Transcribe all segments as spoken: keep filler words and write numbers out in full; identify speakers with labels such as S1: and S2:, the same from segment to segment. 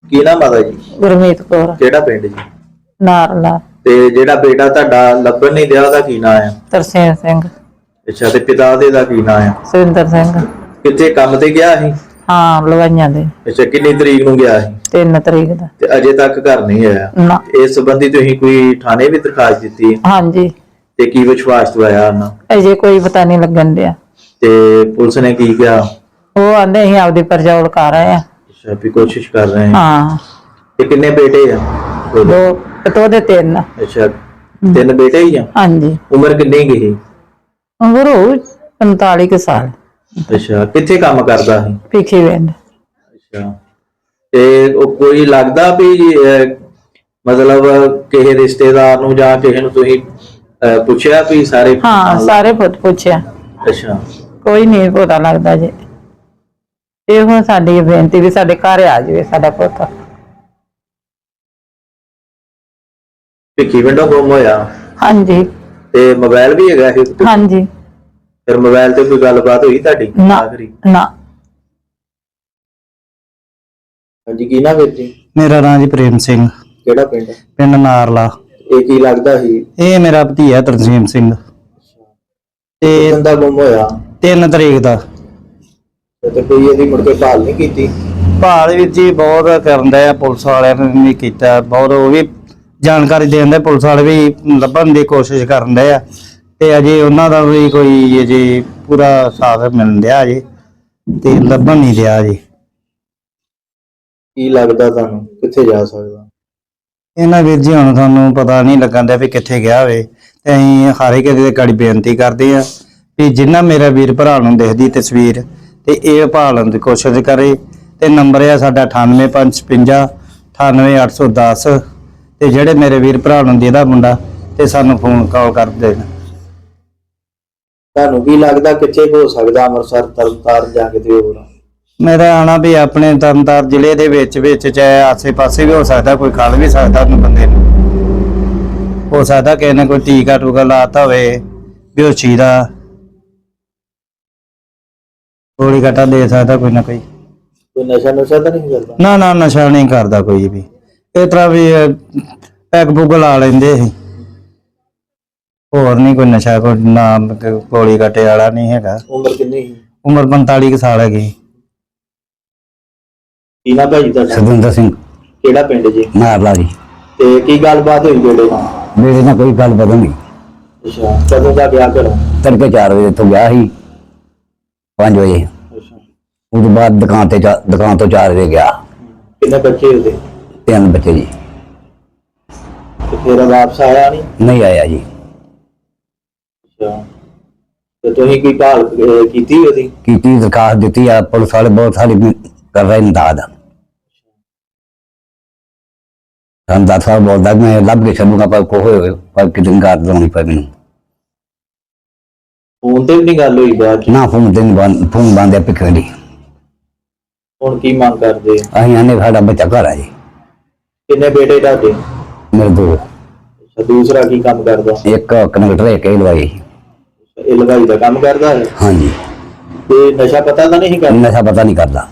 S1: ਕੀ ਨਾਮ ਆਦਾ ਜੀ?
S2: ਗੁਰਮੀਤ ਕੌਰ।
S1: ਕਿਹੜਾ ਪਿੰਡ ਜੀ?
S2: ਨਾਰਲਾ।
S1: ਤੇ ਜਿਹੜਾ ਬੇਟਾ ਤੁਹਾਡਾ ਲੱਭਣ ਨਹੀਂ ਦਿਆ ਉਹਦਾ ਕੀ ਨਾਮ ਆ?
S2: ਤਰਸੇਮ ਸਿੰਘ।
S1: ਅੱਛਾ, ਤੇ ਪਿਤਾ ਦੇ ਦਾ ਕੀ ਨਾਮ ਆ?
S2: ਸੁਰਿੰਦਰ ਸਿੰਘ। ਕਿੱਥੇ
S1: ਕੰਮ ਤੇ ਗਿਆ ਸੀ?
S2: ਹਾਂ, ਲਵਾਈਆਂ ਦੇ।
S1: ਅੱਛਾ, ਕਿੰਨੀ ਤਰੀਕ ਨੂੰ ਗਿਆ ਸੀ?
S2: ਤਿੰਨ ਤਰੀਕ ਦਾ।
S1: ਤੇ ਅਜੇ ਤੱਕ ਘਰ ਨਹੀਂ ਆਇਆ?
S2: ਨਾ। ਇਸ
S1: ਸੰਬੰਧੀ ਤੁਸੀਂ ਕੋਈ ਥਾਣੇ ਵੀ ਦਰਖਾਸਤ ਦਿੱਤੀ ਹੈ?
S2: ਹਾਂਜੀ।
S1: ਤੇ ਕੀ ਵਿਸ਼ਵਾਸ ਦਵਾਇਆ ਉਹਨਾਂ?
S2: ਅਜੇ ਕੋਈ ਪਤਾ ਨਹੀਂ ਲੱਗਣ ਦਿਆ।
S1: ਤੇ ਪੁਲਿਸ ਨੇ ਕੀ ਕਿਹਾ?
S2: ਉਹ ਆਂਦੇ ਅਸੀਂ ਆਪਦੀ ਪਰਚਾ ਕਰ ਰਹੇ ਆ।
S1: ਅੱਛਾ, ਵੀ ਕੋਸ਼ਿਸ਼ ਕਰ ਰਹੇ ਹਾਂ।
S2: ਹਾਂ।
S1: ਤੇ ਕਿੰਨੇ ਬੇਟੇ ਆ?
S2: ਦੋ ਪਤੋ ਦੇ ਤਿੰਨ।
S1: ਅੱਛਾ, ਤਿੰਨ ਬੇਟੇ ਹੀ ਆ? ਹਾਂਜੀ। ਉਮਰ ਕਿੰਨੀ ਗਈ?
S2: ਉਮਰ ਹੋਊ ਪੰਤਾਲੀ ਕੁ ਸਾਲ।
S1: ਅੱਛਾ, ਕਿੱਥੇ ਕੰਮ ਕਰਦਾ ਸੀ?
S2: ਭਿੱਖੀ ਪਿੰਡ।
S1: ਅੱਛਾ, ਤੇ ਉਹ ਕੋਈ ਲੱਗਦਾ ਵੀ ਮਤਲਬ ਕਿਸੇ ਰਿਸ਼ਤੇਦਾਰ ਨੂੰ ਜਾਂ ਕਿਸੇ ਨੂੰ ਤੁਸੀਂ ਪੁੱਛਿਆ ਵੀ ਸਾਰੇ?
S2: ਹਾਂ, ਸਾਰੇ ਪੁੱਛਿਆ।
S1: ਅੱਛਾ,
S2: ਕੋਈ ਨਹੀਂ ਪਤਾ ਲੱਗਦਾ ਜੀ। ਇਹ ਹੁਣ ਸਾਡੀ ਬੇਨਤੀ ਵੀ ਸਾਡੇ ਘਰ ਆ ਜਾਵੇ ਸਾਡਾ ਪੁੱਤ।
S1: ਭਿੱਖੀ ਪਿੰਡੋਂ ਗੁੰਮ ਹੋਇਆ? ਹਾਂਜੀ। ਤੇ ਮੋਬਾਈਲ ਵੀ ਹੈਗਾ ਇਹ?
S2: ਹਾਂਜੀ।
S1: ਫਿਰ ਮੋਬਾਈਲ ਤੇ ਕੋਈ ਗੱਲਬਾਤ ਹੋਈ ਤੁਹਾਡੀ ਆਖਰੀ?
S2: ਨਾ।
S1: ਹਾਂਜੀ, ਕੀ ਨਾਮ ਵੀਰ ਜੀ?
S3: ਮੇਰਾ ਨਾਂ ਜੀ ਪ੍ਰੇਮ ਸਿੰਘ।
S1: ਕਿਹੜਾ ਪਿੰਡ?
S3: ਪਿੰਡ ਨਾਰਲਾ।
S1: ਇਹ ਕੀ ਲੱਗਦਾ ਸੀ?
S3: ਇਹ ਮੇਰਾ ਭਤੀਆ ਤਰਸੇਮ ਸਿੰਘ।
S1: ਤੇ ਬੰਦਾ ਗੁੰਮ ਹੋਇਆ
S3: ਤਿੰਨ ਤਰੀਕ ਦਾ।
S1: ਤੇ ਕੋਈ ਇਹਦੀ ਮੁੜ ਕੇ ਭਾਲ ਨਹੀਂ ਕੀਤੀ?
S3: ਭਾਲ ਵਿੱਚ ਜੀ ਬਹੁਤ ਕਰਨ ਦਾ ਪੁਲਿਸ ਵਾਲਿਆਂ ਨੇ ਵੀ ਕੀਤਾ, ਬਹੁਤ ਉਹ ਵੀ ਜਾਣਕਾਰੀ ਦੇਣ ਦੇ, ਪੁਲਿਸ ਵਾਲੇ ਵੀ ਲੱਭਣ ਦੀ ਕੋਸ਼ਿਸ਼ ਕਰਨ ਦੇ ਆ। ਤੇ ਅਜੇ ਉਹਨਾਂ ਦਾ ਵੀ ਕੋਈ ਅਜੇ ਪੂਰਾ ਸਾਥ ਮਿਲਣ ਡਿਆ ਅਜੇ, ਤੇ ਲੱਭਣ ਨਹੀਂ ਰਿਹਾ ਜੀ।
S1: ਕੀ ਲੱਗਦਾ ਤੁਹਾਨੂੰ ਕਿੱਥੇ ਜਾ ਸਕਦਾ?
S3: ਇਹਨਾਂ ਵੀਰ ਜੀ ਹੁਣ ਤੁਹਾਨੂੰ ਪਤਾ ਨਹੀਂ ਲੱਗਣ ਦਿਆ ਵੀ ਕਿੱਥੇ ਗਿਆ ਹੋਵੇ। ਤੇ ਅਸੀਂ ਹਾਰੇ ਕਿਸੇ ਦੇ ਗਾੜੀ ਬੇਨਤੀ ਕਰਦੇ ਆ ਵੀ ਜਿੰਨਾ ਮੇਰਾ ਵੀਰ ਭਰਾ ਨੂੰ ਦਿਖਦੀ ਤਸਵੀਰ ਤੇ ਇਹ ਭਾਲਣ ਦੀ ਕੋਸ਼ਿਸ਼ ਕਰੇ। ਤੇ ਨੰਬਰ ਆ ਸਾਡਾ ਅਠਾਨਵੇਂ ਪੰਜ ਛਪੰਜਾ ਅਠਾਨਵੇਂ ਅੱਠ ਸੌ ਦਸ। ਤੇ ਜਿਹੜੇ ਮੇਰੇ ਵੀਰ ਭਰਾ ਨੂੰ ਜਿਹਦਾ ਮੁੰਡਾ ਤੇ ਸਾਨੂੰ ਫੋਨ ਕਾਲ ਕਰ ਦੇਣ।
S1: ਤੁਹਾਨੂੰ ਕੀ ਲੱਗਦਾ ਕਿੱਥੇ ਹੋ ਸਕਦਾ? ਅੰਮ੍ਰਿਤਸਰ, ਤਰਨਤਾਰਨ ਜਾਂ ਕਿਤੇ ਹੋਰ?
S3: ਮੇਰਾ ਆਣਾ ਵੀ ਆਪਣੇ ਤਰਨਤਾਰਨ ਜ਼ਿਲ੍ਹੇ ਦੇ ਵਿੱਚ ਵਿੱਚ ਚਾਹੇ ਆਸੇ ਪਾਸੇ ਵੀ ਹੋ ਸਕਦਾ, ਕੋਈ ਖਲ ਵੀ ਸਕਦਾ ਉਹਨੂੰ ਬੰਦੇ ਨੂੰ। ਹੋ ਸਕਦਾ ਕਿਸੇ ਨੇ ਕੋਈ ਟੀਕਾ ਟੂਕਾ ਲਾਤਾ ਹੋਵੇ ਬੇਹੋਸ਼ੀ ਦਾ, ਗੋਲੀ ਘਟਾ ਦੇ ਸਕਦਾ ਕੋਈ ਨਾ ਕੋਈ।
S1: ਕੋਈ ਨਸ਼ਾ ਨੁਸ਼ਾ ਤਾਂ ਨਹੀਂ ਕਰਦਾ?
S3: ਨਾ ਨਾ, ਨਸ਼ਾ ਨਹੀਂ ਕਰਦਾ ਕੋਈ ਵੀ। ਇਸ ਤਰ੍ਹਾਂ ਵੀ ਪੈਗ ਪੁਗ ਲਾ ਲੈਂਦੇ ਸੀ, ਹੋਰ ਨਹੀਂ ਕੋਈ ਨਸ਼ਾ, ਕੋਈ ਨਾਮ ਗੋਲੀ ਘਟੇ ਵਾਲਾ ਨਹੀਂ ਹੈਗਾ।
S1: ਉਮਰ ਕਿੰਨੀ ਸੀ?
S3: ਉਮਰ ਪੰਤਾਲੀ ਕੁ ਸਾਲ ਹੈਗੀ।
S1: ਕੀ ਨਾਮ ਭਾਜੀ ਤੁਹਾਡਾ?
S3: ਸੁਰਿੰਦਰ ਸਿੰਘ।
S1: ਕਿਹੜਾ ਪਿੰਡ ਜੀ?
S3: ਨਾਰਲਾ ਜੀ।
S1: ਤੇ ਕੀ ਗੱਲਬਾਤ ਹੋਈ ਬੇਟੇ ਨਾਲ?
S3: ਮੇਰੇ ਨਾਲ ਕੋਈ ਗੱਲ ਪਤਾ ਨਹੀਂ।
S1: ਅੱਛਾ, ਕਦੋਂ ਦਾ ਗਿਆ ਘਰੋਂ?
S3: ਤੜਕੇ ਚਾਰ ਵਜੇ ਤੋਂ ਗਿਆ ਸੀ, ਪੰਜ ਵਜੇ।
S1: ਅੱਛਾ,
S3: ਉਸ ਤੋਂ ਬਾਅਦ ਦੁਕਾਨ ਤੇ ਦੁਕਾਨ ਤੋਂ ਚਾਰ ਵਜੇ ਗਿਆ।
S1: ਕਿੰਨੇ ਬੱਚੇ ਉਹਦੇ?
S3: ਤਿੰਨ ਬੱਚੇ ਜੀ।
S1: ਤੇ ਫਿਰ ਵਾਪਸ ਆਇਆ ਨਹੀਂ?
S3: ਨਹੀਂ ਆਇਆ ਜੀ।
S1: ਅੱਛਾ, ਤੇ ਤੁਸੀਂ ਕੀ ਭਾਲ ਕੀਤੀ ਉਹਦੀ?
S3: ਕੀਤੀ, ਦਰਖਾਸਤ ਦਿੱਤੀ ਆ, ਪੁਲਿਸ ਵਾਲੇ ਬਹੁਤ ਸਾਰੀ ਕਰ ਰਹੇ ਇੰਦਾਦ। ਸਾਨੂੰ ਦਸ ਸਾਲ ਬੋਲਦਾ ਮੈਂ ਲੱਭ ਕੇ ਛੱਡੂਗਾ, ਪਰ ਕੋ ਹੋਏ ਪਰ ਕਿਤੇ ਗਾਰ ਲਾਉਣੀ ਪਈ ਮੈਨੂੰ।
S1: ਫੋਨ ਤੇ ਵੀ ਨਹੀਂ ਗੱਲ ਹੋਈ ਬਾਅਦ ਚ?
S3: ਨਾ, ਫੋਨ ਤੇ ਨਹੀਂ, ਫੋਨ ਬੰਦ ਹੈ ਪਿੱਛੇ ਦੀ।
S1: ਹੁਣ ਕੀ ਮੰਗ ਕਰਦੇ?
S3: ਅਸੀਂ ਆਨੇ ਸਾਡਾ ਬੱਚਾ ਘਰ ਆ ਜੀ।
S1: ਕਿੰਨੇ ਬੇਟੇ ਤੁਹਾਡੇ?
S3: ਮੇਰੇ ਦੋ।
S1: ਅੱਛਾ, ਦੂਸਰਾ ਕੀ ਕੰਮ ਕਰਦਾ?
S3: ਇੱਕ ਕਨੈਕਟਰ, ਇੱਕ ਹੀ ਲਵਾਈ।
S1: ਇਹ ਲਗਾਈ ਦਾ ਕੰਮ ਕਰਦਾ ਹੈ?
S3: ਹਾਂਜੀ।
S1: ਤੇ ਨਸ਼ਾ ਪਤਾ ਤਾਂ नहीं करता?
S3: नशा पता नहीं करता।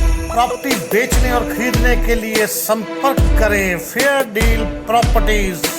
S4: प्रॉपर्टी बेचने और खरीदने के लिए संपर्क करें फेयर डील प्रॉपर्टीज।